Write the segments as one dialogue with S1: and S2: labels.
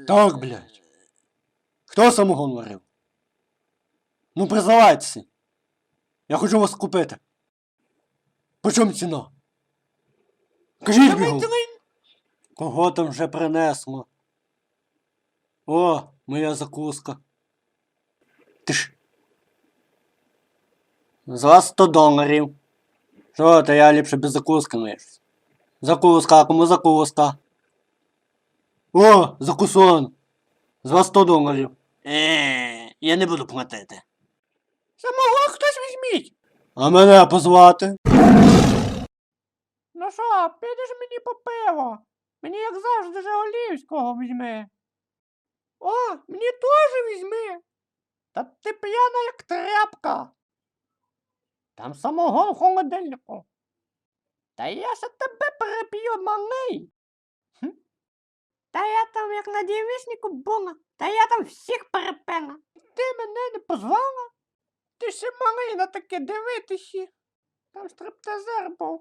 S1: Так, блядь. Хто самогон варив? Ну, признавайтеся. Я хочу вас купити. По чому ціна? Кажіть бігом. Кого там вже принесло? О, моя закуска. Ти ж. За 100 доларів. Що, то я ліпше без закуски миюсь. Закуска, кому закуска? О, закусон. За 100 доларів. Я не буду платити. Самого хтось візьміть. А мене позвати? Ну що, підеш мені по пиво? Мені, як завжди, Жигулівського візьми. О, мені теж візьми. Та ти п'яна, як тряпка. Там самогон в холодильнику. Та я ще тебе переп'ю, малий. Та я там як на дівіснику була. Та я там всіх перепила. Ти мене не позвала? Ти ще малий на таке дивитися. Там стриптизер був.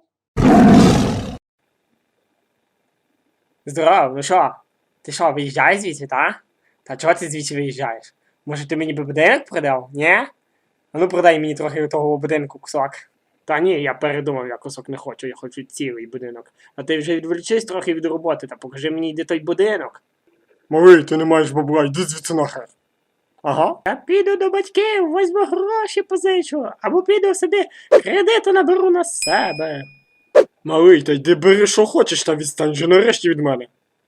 S2: Здорово, ну що? Ти що, виїжджаєш звідси, та? Та чого ти звідси виїжджаєш? Може ти мені би будинок продав, ні? А ну продай мені трохи того будинку кусок. Та ні, я передумав, я кусок не хочу, я хочу цілий будинок. А ти вже відволічись трохи від роботи та покажи мені, де той будинок. Малий, ти не маєш бабла, йди звідси нахер. Ага. Я піду до батьків, возьму гроші позичу, або піду собі кредиту наберу на себе. Малий, та йди бери, що хочеш, та відстань же нарешті від мене.